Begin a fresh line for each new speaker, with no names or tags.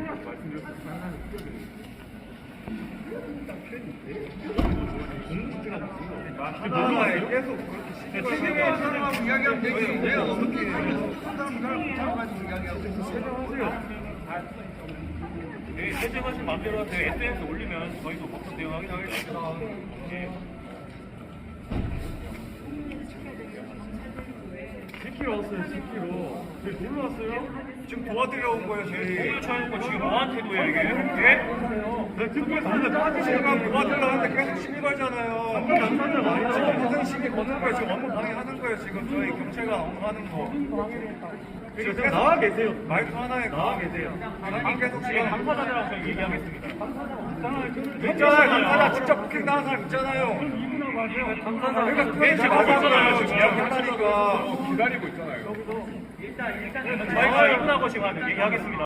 계속 그렇게 사람하고 이야기하면 되지. 왜 어떻게 사람 가지고 이야기하고 세정하세요.
네, 세정하신 마음대로 하세요. SNS 올리면 저희도 법적 대응하긴 하겠습니다. 네.
10kg 왔어요, 10kg. 저희 놀러 왔어요?
지금 도와드려 온 거예요, 저희.
오늘 쳐놓고 지금 뭐한테도요, 이게? 예?
네, 듣고 달려
지금 도와달라는데 계속 시비 걸잖아요. 지금 무슨 시비 거는 거예요? 지금 업무 방해하는 거예요. 지금 저희 경찰관 업무하는 거.
지금 나와 계세요.
말투 하나에
나와 계세요.
계속
네,
지금
당사자들하고 저희 얘기하겠습니다.
있잖아요. 당사자 직접 부킹 당한 사람 있잖아요.
이분하고 하세요.
그러니까 그걸
네,
제가
지금
하잖아요.
지금
이야기하다니까.
저희가 이분하고 지금 얘기하겠습니다.